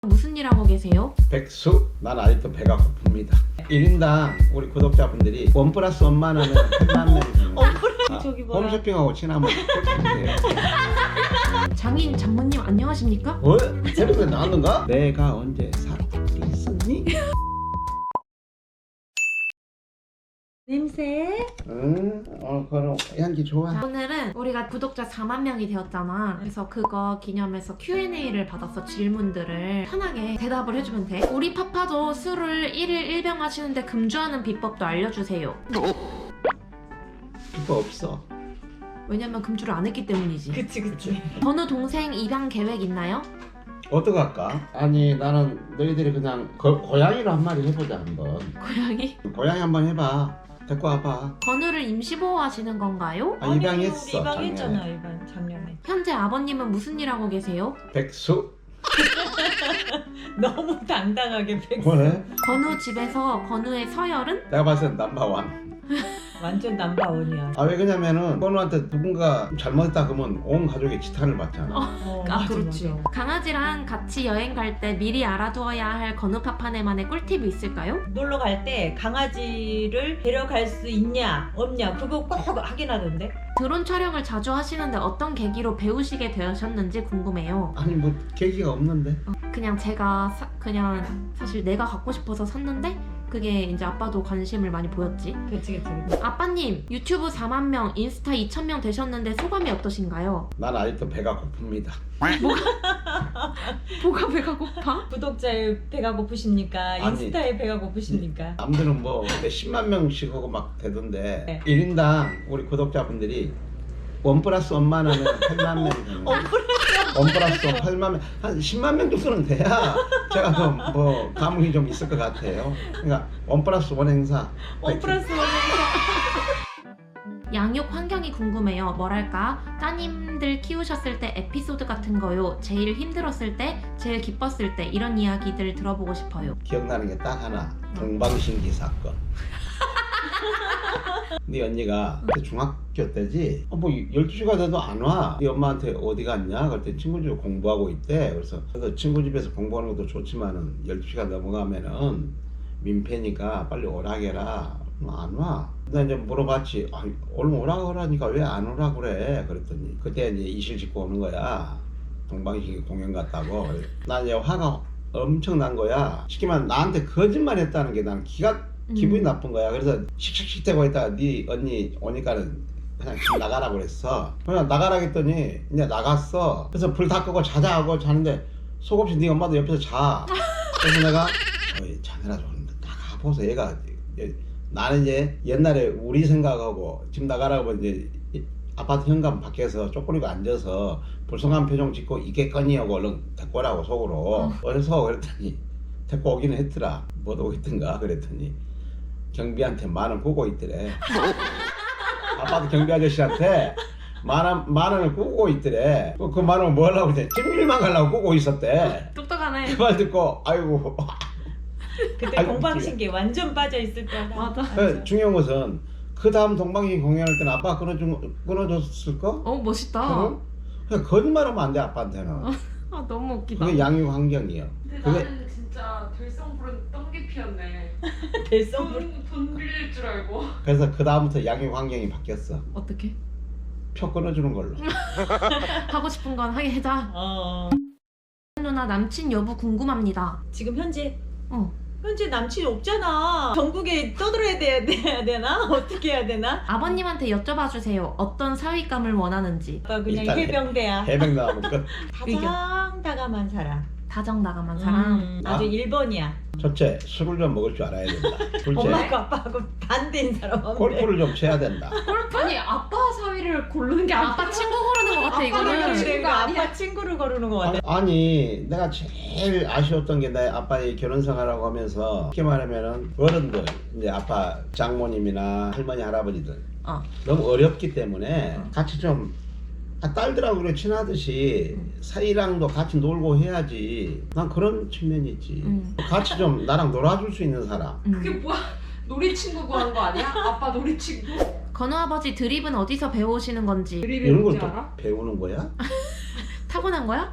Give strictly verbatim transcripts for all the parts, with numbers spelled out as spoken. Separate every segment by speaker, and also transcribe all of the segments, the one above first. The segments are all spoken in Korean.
Speaker 1: 무슨 일 하고 계세요?
Speaker 2: 백수? 난 아직도 배가 고픕니다. 일 인당 우리 구독자분들이 원 플러스 원만 하면 팔만 명이 되는 거예요. 아,
Speaker 3: 저기 뭐야?
Speaker 2: 홈쇼핑하고 친하면 꿀팁이에요.
Speaker 1: 장인 장모님 안녕하십니까?
Speaker 2: 어? 새벽에 나왔는가? 내가 언제 사투리 쓰니?
Speaker 3: 냄새?
Speaker 2: 응? 어, 그럼 향기 좋아.
Speaker 1: 자, 오늘은 우리가 구독자 사만 명이 되었잖아. 그래서 그거 기념해서 큐 앤 에이를 받아서 질문들을 편하게 대답을 해주면 돼. 우리 파파도 술을 일 일 일 병 마시는데 금주하는 비법도 알려주세요.
Speaker 2: 그거 없어.
Speaker 1: 왜냐면 금주를 안 했기 때문이지.
Speaker 3: 그치 그치.
Speaker 1: 전우 동생 입양 계획 있나요?
Speaker 2: 어떡할까? 아니 나는 너희들이 그냥 거, 고양이로 한 마리 해보자 한번.
Speaker 1: 고양이?
Speaker 2: 고양이 한번 해봐. 데리고 와봐.
Speaker 1: 건우를 임시보호하시는 건가요?
Speaker 2: 아, 입양했어.
Speaker 3: 입양했잖아
Speaker 2: 작년에.
Speaker 3: 입양 작년에.
Speaker 1: 현재 아버님은 무슨 일 하고 계세요?
Speaker 2: 백수?
Speaker 3: 너무 당당하게 백수.
Speaker 2: 왜?
Speaker 1: 건우 집에서 건우의 서열은?
Speaker 2: 내가 봤을 땐 넘버원.
Speaker 3: 완전 남바원이야.
Speaker 2: 아 왜 그러냐면은 건우한테 누군가 잘못했다 그러면 온 가족이 지탄을 받잖아.
Speaker 3: 어,
Speaker 1: 아
Speaker 3: 맞아,
Speaker 1: 그렇지.
Speaker 3: 맞아.
Speaker 1: 강아지랑 같이 여행 갈 때 미리 알아두어야 할 건우 파파네만의 꿀팁이 있을까요?
Speaker 3: 놀러 갈 때 강아지를 데려갈 수 있냐 없냐 그거 꼭 확인하던데.
Speaker 1: 드론 촬영을 자주 하시는데 어떤 계기로 배우시게 되셨는지 궁금해요.
Speaker 2: 아니 뭐 계기가 없는데.
Speaker 1: 그냥 제가 사, 그냥 사실 내가 갖고 싶어서 샀는데 그게 이제 아빠도 관심을 많이 보였지.
Speaker 3: 그치 그치. 그치.
Speaker 1: 아빠님 유튜브 사만 명, 인스타 이천 명 되셨는데 소감이 어떠신가요?
Speaker 2: 난 아직도 배가 고픕니다.
Speaker 1: 뭐가 배가 고파?
Speaker 3: 구독자의 배가 고프십니까?
Speaker 2: 아니.
Speaker 3: 인스타의 배가 고프십니까?
Speaker 2: 남들은 뭐 근데 십만 명씩 하고 막 되던데
Speaker 3: 네.
Speaker 2: 일 인당 우리 구독자분들이 원 플러스 원만 하면 팔만 명이 되는 거예요. 원 플러스 원 팔만 명, 한 십만 명 정도는 돼야 제가 좀 뭐 감흥이 좀 있을 것 같아요. 그러니까 원 플러스 원 행사.
Speaker 3: 원 플러스 원.
Speaker 1: 양육 환경이 궁금해요. 뭐랄까 따님들 키우셨을 때 에피소드 같은 거요. 제일 힘들었을 때, 제일 기뻤을 때 이런 이야기들 들어보고 싶어요.
Speaker 2: 기억나는 게 딱 하나. 동방신기 사건. 네 언니가 그때 중학교 때지 어, 뭐 열두 시가 돼도 안 와. 네 엄마한테 어디 갔냐? 그랬더니 친구 집에 공부하고 있대. 그래서 그래서 친구 집에서 공부하는 것도 좋지만은 열두 시가 넘어가면은 민폐니까 빨리 오라게라. 안 와. 나 이제 물어봤지. 아, 얼른 오라 그러니까 왜 안 오라 그래? 그랬더니 그때 이제 이실 짓고 오는 거야. 동방신기 공연 갔다고. 나 이제 화가 엄청 난 거야. 쉽게 말하면 나한테 거짓말 했다는 게 난 기가 기분이
Speaker 1: 음.
Speaker 2: 나쁜 거야. 그래서 씩씩씩 대고 있다가 네 언니 오니까는 그냥 집 나가라고 그랬어. 그냥 나가라 했더니 이제 나갔어. 그래서 불 다 끄고 자자 하고 자는데 속없이 네 엄마도 옆에서 자. 그래서 내가 어이 자네라 좀 나가보소. 얘가 나는 이제 옛날에 우리 생각하고 집 나가라고 이제 아파트 현관 밖에서 쪼그리고 앉아서 불쌍한 표정 짓고 이겠거니 하고 얼른 데리고 오라고 속으로.
Speaker 1: 어.
Speaker 2: 어디서 그랬더니 데리고 오기는 했더라. 못 오겠던가 그랬더니 경비한테 만 원 꾸고 있더래. 아파트 경비 아저씨한테 만 원, 만 원을 꾸고 있더래. 그 만 원 뭐 하려고 했대? 찜질만 가려고 꾸고 있었대.
Speaker 1: 똑똑하네.
Speaker 2: 그 말 듣고 아이고.
Speaker 3: 그때
Speaker 2: 아이고,
Speaker 3: 동방신기 완전 빠져 있을 때다.
Speaker 1: 맞아.
Speaker 2: 그 중요한 것은 그 다음 동방신기 공연할 때는 아빠가 끊어준, 끊어줬을까?
Speaker 1: 어 멋있다.
Speaker 2: 그럼? 그냥 거짓말하면 안 돼 아빠한테는.
Speaker 1: 아 너무 웃기다.
Speaker 2: 그게 양육 환경이에요.
Speaker 4: 근데
Speaker 2: 그게
Speaker 4: 나는 진짜 될성 부른 똥개 피었네.
Speaker 3: 대성물.
Speaker 4: 돈, 돈 빌릴 줄 알고.
Speaker 2: 그래서 그 다음부터 양육 환경이 바뀌었어.
Speaker 1: 어떻게?
Speaker 2: 표 끊어주는 걸로.
Speaker 1: 하고 싶은 건 하게 해자.
Speaker 3: 어.
Speaker 1: 누나 남친 여부 궁금합니다.
Speaker 3: 지금 현재
Speaker 1: 어.
Speaker 3: 현재 남친이 없잖아. 전국에 떠들어야 돼야, 돼야 되나? 어떻게 해야 되나?
Speaker 1: 아버님한테 여쭤봐 주세요. 어떤 사위감을 원하는지.
Speaker 3: 아빠 그냥
Speaker 2: 일단
Speaker 3: 해병대야.
Speaker 2: 해병 나가면 끝.
Speaker 3: 다정다감한 사람.
Speaker 1: 다정다감한 사람.
Speaker 3: 음, 아주
Speaker 2: 아.
Speaker 3: 일 번이야.
Speaker 2: 첫째, 술을 좀 먹을 줄 알아야 된다. 둘째,
Speaker 3: 엄마하고 아빠하고 반대인 사람.
Speaker 2: 골프를 좀 쳐야 된다.
Speaker 4: 아니 아빠 사위를 고르는 게
Speaker 1: 아빠 친구 고르는 것 같아
Speaker 3: 아빠는
Speaker 1: 이거는.
Speaker 3: 그래,
Speaker 4: 친구가 아니야.
Speaker 3: 아빠 친구를 거르는 거 같아.
Speaker 2: 아니 내가 제일 아쉬웠던 게 내 아빠의 결혼 생활하고 하면서 쉽게 말하면은 어른들 이제 아빠 장모님이나 할머니 할아버지들
Speaker 1: 어.
Speaker 2: 너무 어렵기 때문에
Speaker 1: 어.
Speaker 2: 같이 좀 아, 딸들하고 그래 친하듯이 사이랑도 같이 놀고 해야지. 난 그런 측면이 있지.
Speaker 1: 음.
Speaker 2: 같이 좀 나랑 놀아줄 수 있는 사람.
Speaker 1: 음.
Speaker 4: 그게 뭐야? 놀이 친구 구하는 거 아니야? 아빠 놀이 친구?
Speaker 1: 건우 아버지 드립은 어디서 배우시는 건지.
Speaker 4: 드립이
Speaker 2: 이런 걸
Speaker 4: 뭔지
Speaker 2: 또
Speaker 4: 알아?
Speaker 2: 배우는 거야?
Speaker 1: 타고난 거야?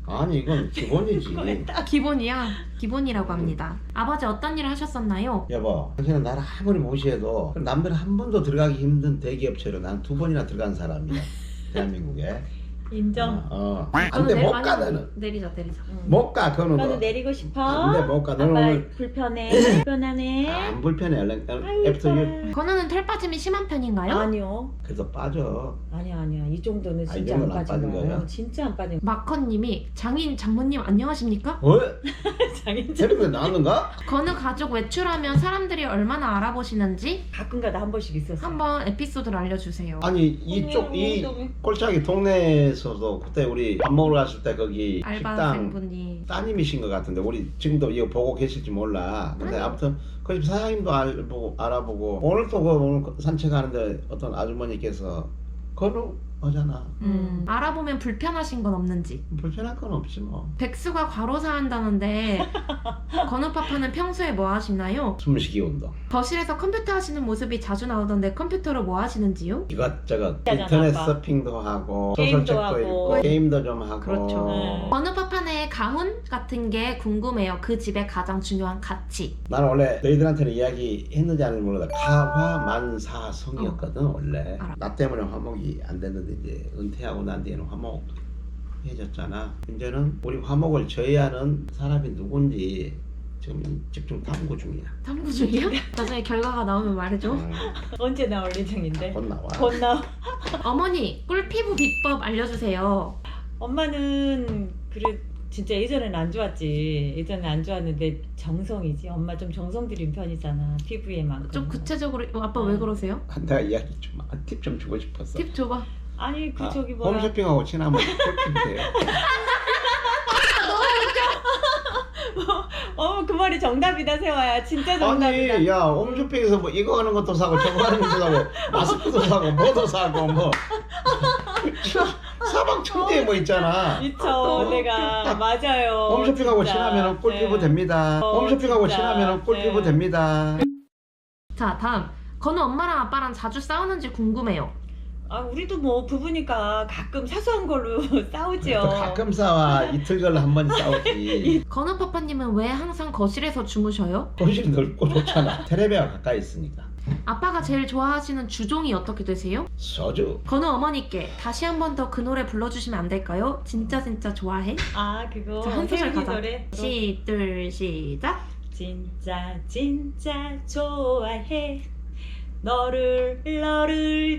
Speaker 2: 아니 이건 기본이지.
Speaker 1: 기본이야. 기본이라고 합니다. 아버지 어떤 일을 하셨었나요?
Speaker 2: 여보, 당신은 나를 아무리 무시해도 남들 한 번도 들어가기 힘든 대기업체로 난 두 번이나 들어간 사람이야. 대한민국에.
Speaker 3: 인정.
Speaker 2: 어.
Speaker 1: 저는
Speaker 2: 안돼
Speaker 1: 내-
Speaker 2: 못
Speaker 1: 아니,
Speaker 2: 가 너는.
Speaker 1: 내리자 내리자.
Speaker 3: 응.
Speaker 2: 못 가 그거는.
Speaker 3: 너는
Speaker 2: 너.
Speaker 3: 내리고 싶어?
Speaker 2: 안돼 못 가. 너는
Speaker 3: 아빠
Speaker 2: 오늘
Speaker 3: 불편해? 불편하네?
Speaker 2: 안 불편해. 얼른
Speaker 3: 아이고,
Speaker 2: 애프터 유.
Speaker 1: 건우는 털 빠짐이 심한 편인가요?
Speaker 3: 아니요.
Speaker 2: 그래도 빠져.
Speaker 3: 아니야 아니야. 이 정도는
Speaker 2: 아, 이
Speaker 3: 진짜 안
Speaker 2: 정도는 안
Speaker 3: 빠진
Speaker 2: 빠진
Speaker 3: 거예요.
Speaker 2: 거예요?
Speaker 3: 진짜 안 빠진
Speaker 1: 마커님이 장인 장모님 안녕하십니까?
Speaker 2: 어?
Speaker 3: 장인
Speaker 2: 텔레비전 나왔는가?
Speaker 1: 건우 가족 외출하면 사람들이 얼마나 알아보시는지
Speaker 3: 가끔가다 한 번씩 있었어.
Speaker 1: 한번 에피소드를 알려주세요.
Speaker 2: 아니 이쪽 이 꼴짝이 동네에서도 그때 우리 밥 먹으러 갔을 때 거기 식당
Speaker 1: 알바생분이
Speaker 2: 따님이신 것 같은데 우리 지금도 이거 보고 계실지 몰라. 근데
Speaker 1: 아니요.
Speaker 2: 아무튼 그 집 사장님도 알보고 알아보고 오늘 또 그 오늘 산책하는데 어떤 아주머니께서 건우 하잖아.
Speaker 1: 음, 알아보면 불편하신 건 없는지.
Speaker 2: 불편할 건 없지 뭐.
Speaker 1: 백수가 과로사 한다는데 건우 파파는 평소에 뭐 하시나요?
Speaker 2: 숨쉬기 운동.
Speaker 1: 거실에서 컴퓨터 하시는 모습이 자주 나오던데 컴퓨터로 뭐 하시는지요?
Speaker 2: 이것저것
Speaker 3: 하잖아,
Speaker 2: 인터넷
Speaker 3: 아빠.
Speaker 2: 서핑도 하고
Speaker 3: 게임도
Speaker 2: 소설책도
Speaker 3: 하고.
Speaker 2: 읽고 게임도 좀 하고.
Speaker 1: 그렇죠.
Speaker 3: 네.
Speaker 1: 건우 파파네 가훈 같은 게 궁금해요. 그 집의 가장 중요한 가치.
Speaker 2: 나는 원래 너희들한테는 이야기했는지 안 했는지 몰라. 가화만사성이었거든 원래.
Speaker 1: 알아.
Speaker 2: 나 때문에 화목이 안 됐는데 이제 은퇴하고 난 뒤에는 화목 해졌잖아. 이제는 우리 화목을 저해하는 사람이 누군지 지금 집중 탐구 중이야.
Speaker 1: 탐구 중이야? 나중에 결과가 나오면 말해줘.
Speaker 2: 음,
Speaker 3: 언제 나올 예정인데?
Speaker 2: 곧 나와.
Speaker 3: 곧 나와.
Speaker 1: 어머니 꿀피부 비법 알려주세요.
Speaker 3: 엄마는 그래 진짜 예전에는 안 좋았지. 예전에 안 좋았는데 정성이지. 엄마 좀 정성 들인 편이잖아. 피부에만큼.
Speaker 1: 좀 구체적으로 어, 아빠 왜 그러세요?
Speaker 2: 내가 이야기 좀 팁 좀 주고 싶었어.
Speaker 1: 팁 줘봐.
Speaker 3: 아니 그
Speaker 2: 아,
Speaker 3: 저기 뭐야.
Speaker 2: 홈쇼핑하고 친하면 꿀팁이 돼요.
Speaker 3: 어 그 말이 정답이다 세화야. 진짜 정답이다.
Speaker 2: 아니 야 홈쇼핑에서 뭐 이거 하는 것도 사고 저거 하는 것도 사고 마스크도 사고 뭐도 사고 뭐 사방천지에 뭐 있잖아.
Speaker 3: 미쳐
Speaker 2: 어,
Speaker 3: 내가 맞아요.
Speaker 2: 홈쇼핑하고
Speaker 3: 진짜.
Speaker 2: 친하면 꿀피부
Speaker 3: 네.
Speaker 2: 됩니다.
Speaker 3: 어,
Speaker 2: 홈쇼핑하고
Speaker 3: 진짜.
Speaker 2: 친하면 꿀피부
Speaker 3: 네.
Speaker 2: 됩니다.
Speaker 1: 자 다음 건우 엄마랑 아빠랑 자주 싸우는지 궁금해요.
Speaker 3: 아 우리도 뭐 부부니까 가끔 사소한 걸로 싸우죠.
Speaker 2: 또 가끔 싸워 이틀 걸로 한 번 싸우지.
Speaker 1: 건우 파파님은 왜 항상 거실에서 주무셔요?
Speaker 2: 거실이 넓고 좋잖아. 테레비가 가까이 있으니까.
Speaker 1: 아빠가 제일 좋아하시는 주종이 어떻게 되세요?
Speaker 2: 소주.
Speaker 1: 건우 어머니께 다시 한 번 더 그 노래 불러주시면 안 될까요? 진짜 진짜 좋아해?
Speaker 3: 아 그거
Speaker 1: 자, 한 소절
Speaker 3: 혜은이
Speaker 1: 가자.
Speaker 3: 노래.
Speaker 1: 시, 둘, 시작.
Speaker 3: 진짜 진짜 좋아해 너를 너를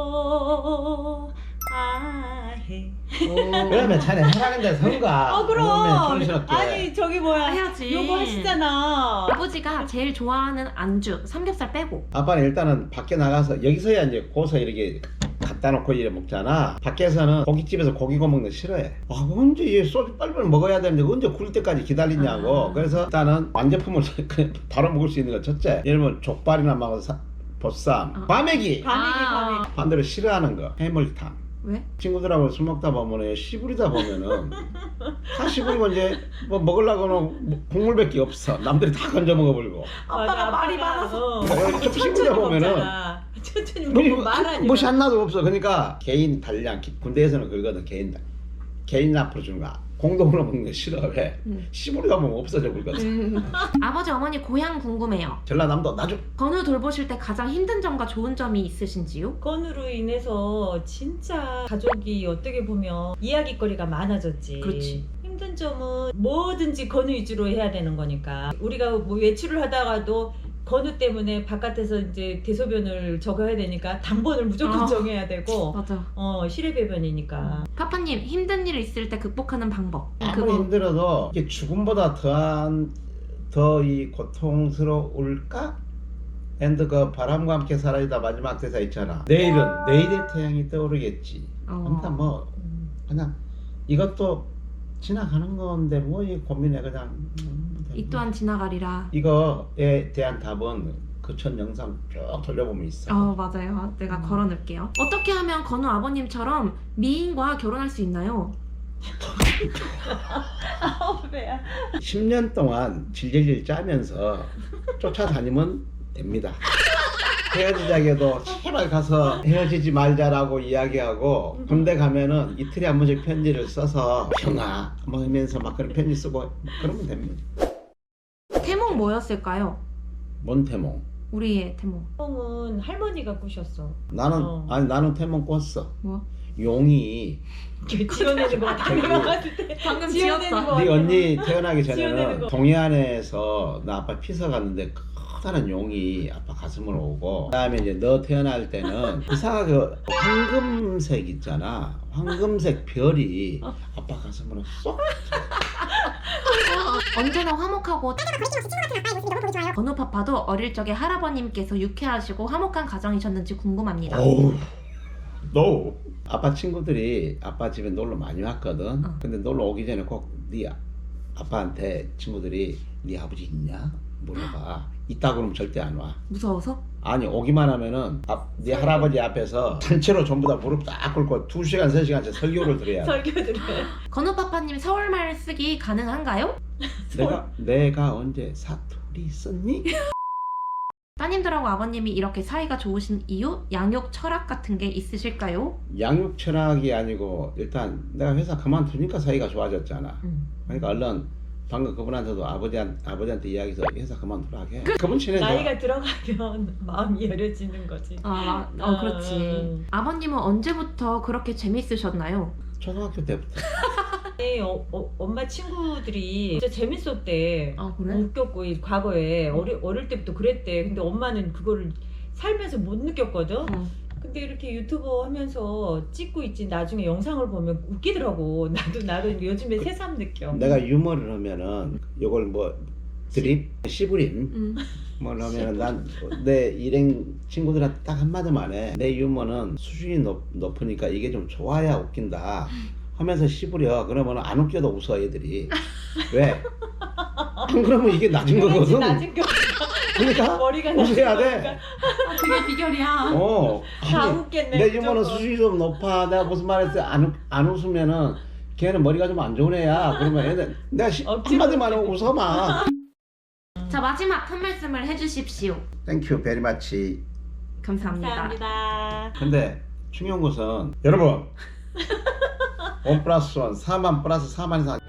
Speaker 3: 좋아해.
Speaker 2: 그러면 자네 해라는데 성가.
Speaker 3: 어 그럼
Speaker 2: 정신없게.
Speaker 3: 아니 저기 뭐야
Speaker 1: 해야지.
Speaker 3: 요거 하시잖아.
Speaker 1: 아버지가 제일 좋아하는 안주 삼겹살 빼고.
Speaker 2: 아빠는 일단은 밖에 나가서 여기서야 이제 고서 이렇게 갖다 놓고 이래 먹잖아. 밖에서는 고깃집에서 고기 구워 먹는 거 싫어해. 아 언제 이 소주 빨리빨리 먹어야 되는데 언제 굴 때까지 기다리냐고.
Speaker 1: 아.
Speaker 2: 그래서 일단은 완제품을 그냥 바로 먹을 수 있는 거 첫째. 예를 들면 족발이나 막 사- 보쌈,
Speaker 1: 어.
Speaker 2: 과메기.
Speaker 3: 과메기
Speaker 1: 아.
Speaker 3: 과메기.
Speaker 2: 반대로 싫어하는 거 해물탕.
Speaker 1: 왜?
Speaker 2: 친구들하고 술 먹다 보면 시부리다 보면은 다 시부리고 이제 뭐 먹으려고는 뭐 국물밖에 없어. 남들이 다 건져 먹어버리고.
Speaker 1: 아빠가 말이 많아서.
Speaker 3: 어.
Speaker 2: 좀
Speaker 3: 천천히
Speaker 2: 시부리다 보면은
Speaker 3: 먹잖아. 천천히
Speaker 2: 뭐,
Speaker 3: 먹고 말하니까.
Speaker 2: 뭐시 하나도 없어. 그러니까 개인 단량. 군대에서는 그거거든. 개인 단. 개인 앞으로 주는 거. 공동으로 먹는 거 싫어. 왜?
Speaker 1: 음.
Speaker 2: 시부리다 보면 없어져 버리거든.
Speaker 1: 음. 아버지 어머니 고향 궁금해요.
Speaker 2: 전라남도 나중.
Speaker 1: 건우 돌보실 때 가장 힘든 점과 좋은 점이 있으신지요?
Speaker 3: 건으로 인해서 진짜 가족이 어떻게 보면 이야기거리가 많아졌지.
Speaker 1: 그렇지.
Speaker 3: 힘든 점은 뭐든지 건우 위주로 해야 되는 거니까. 우리가 뭐 외출을 하다가도 건우 때문에 바깥에서 이제 대소변을 적어야 되니까 당번을 무조건
Speaker 1: 어.
Speaker 3: 정해야 되고
Speaker 1: 맞아.
Speaker 3: 어 실외배변이니까.
Speaker 1: 파파님 힘든 일 있을 때 극복하는 방법.
Speaker 2: 아무리 힘들어도 이게 죽음보다 더한 더 이 고통스러울까? 앤드 그 바람과 함께 사라지다 마지막 대사 있잖아. 내일은 내일의 태양이 떠오르겠지.
Speaker 1: 어.
Speaker 2: 아무튼 뭐
Speaker 3: 음.
Speaker 2: 그냥 이것도 지나가는 건데 뭐 이 고민해 그냥. 음,
Speaker 1: 이 또한 지나가리라.
Speaker 2: 이거에 대한 답은 그 첫 영상 쭉 돌려보면 있어.
Speaker 1: 어 맞아요. 내가
Speaker 3: 음.
Speaker 1: 걸어놓을게요. 어떻게 하면 건우 아버님처럼 미인과 결혼할 수 있나요?
Speaker 3: 아우 배야.
Speaker 2: 십 년 동안 질질질 짜면서 쫓아다니면 됩니다. 헤어지자게도 제발 가서 헤어지지 말자라고 이야기하고 군대 가면은 이틀에 한 번씩 편지를 써서 형아 뭐 하면서 막 그런 편지 쓰고 그러면 됩니다.
Speaker 1: 태몽 뭐였을까요?
Speaker 2: 뭔 태몽?
Speaker 1: 우리의 태몽.
Speaker 3: 은 할머니가 꾸셨어.
Speaker 2: 나는
Speaker 3: 어.
Speaker 2: 아니 나는 태몽 꿨어.
Speaker 1: 뭐?
Speaker 2: 용이
Speaker 3: 지어내는 거 같아. 내가 봤을 때
Speaker 1: 방금
Speaker 3: 지어내는
Speaker 1: 지었어.
Speaker 3: 거
Speaker 2: 네
Speaker 3: 같아.
Speaker 2: 언니 태어나기
Speaker 3: 지어내는
Speaker 2: 전에는
Speaker 3: 거.
Speaker 2: 동해안에서 나 아빠 피서 갔는데 커다란 용이 아빠 가슴을 오고 그다음에 이제 너 태어날 때는 이상하게 그 황금색 있잖아 황금색 별이 아빠 가슴으로 쏙
Speaker 1: 언제나 화목하고 건우파파도 어릴 적에 할아버님께서 유쾌하시고 화목한 가정이셨는지 궁금합니다.
Speaker 2: 어우 너 아빠 친구들이 아빠 집에 놀러 많이 왔거든.
Speaker 1: 어.
Speaker 2: 근데 놀러 오기 전에 꼭 네 아빠한테 친구들이 네 아버지 있냐 물어봐. 있다 그러면 절대 안 와.
Speaker 1: 무서워서?
Speaker 2: 아니 오기만 하면은 앞, 네 할아버지 앞에서 단체로 전부 다 무릎 딱 꿇고 두 시간 세 시간째 설교를 드려야 돼.
Speaker 3: 설교들을.
Speaker 1: 건우파파님 서울말 쓰기 가능한가요?
Speaker 2: 내가 내가 언제 사투리 썼니?
Speaker 1: 따님들하고 아버님이 이렇게 사이가 좋으신 이유? 양육 철학 같은 게 있으실까요?
Speaker 2: 양육 철학이 아니고 일단 내가 회사 그만두니까 사이가 좋아졌잖아.
Speaker 1: 음.
Speaker 2: 그러니까 얼른 방금 그분한테도 아버지한, 아버지한테 이야기해서 회사 그만두라 하게. 그분 친해져.
Speaker 3: 나이가 들어가면 마음이 여려지는 거지.
Speaker 1: 아, 마- 어, 그렇지.
Speaker 3: 음.
Speaker 1: 아버님은 언제부터 그렇게 재밌으셨나요?
Speaker 2: 초등학교 때부터.
Speaker 3: 네, 어, 어, 엄마 친구들이 진짜 재밌었대.
Speaker 1: 아, 그래?
Speaker 3: 웃겼고 이 과거에 어리, 어릴 때부터 그랬대. 근데 엄마는 그거를 살면서 못 느꼈거든.
Speaker 1: 어.
Speaker 3: 근데 이렇게 유튜버 하면서 찍고 있지 나중에 영상을 보면 웃기더라고. 나도 나도 요즘에 새삼 느껴.
Speaker 2: 내가 유머를 하면은 이걸 뭐 드립, 씨부림
Speaker 1: 음.
Speaker 2: 뭐 하면은 난 내 일행 친구들한테 딱 한마디만 해. 내 유머는 수준이 높, 높으니까 이게 좀 좋아야 웃긴다 하면서 씹으려. 그러면 안 웃겨도 웃어 애들이. 왜? 안 그러면 이게 낮은
Speaker 3: 그렇지,
Speaker 2: 거거든.
Speaker 3: 낮은 거.
Speaker 2: 그러니까
Speaker 3: 머리가
Speaker 2: 웃어야
Speaker 3: 낮은
Speaker 2: 돼.
Speaker 3: 거니까.
Speaker 1: 아, 그게 비결이야.
Speaker 2: 어.
Speaker 3: 다
Speaker 2: 아니,
Speaker 3: 웃겠네.
Speaker 2: 내 유머는
Speaker 3: 무조건.
Speaker 2: 수준이 좀 높아. 내가 무슨 말 했을 때 안 안 웃으면은 걔는 머리가 좀 안 좋은 애야. 그러면 애들 내가 시,
Speaker 3: 억지로
Speaker 2: 한마디만 하고 웃어봐.
Speaker 1: 자, 마지막 한 말씀을 해주십시오.
Speaker 2: 땡큐 베리 마치.
Speaker 1: 감사합니다.
Speaker 3: 감사합니다.
Speaker 2: 근데 중요한 것은 여러분 원 플러스 원 사만 플러스 사만 이상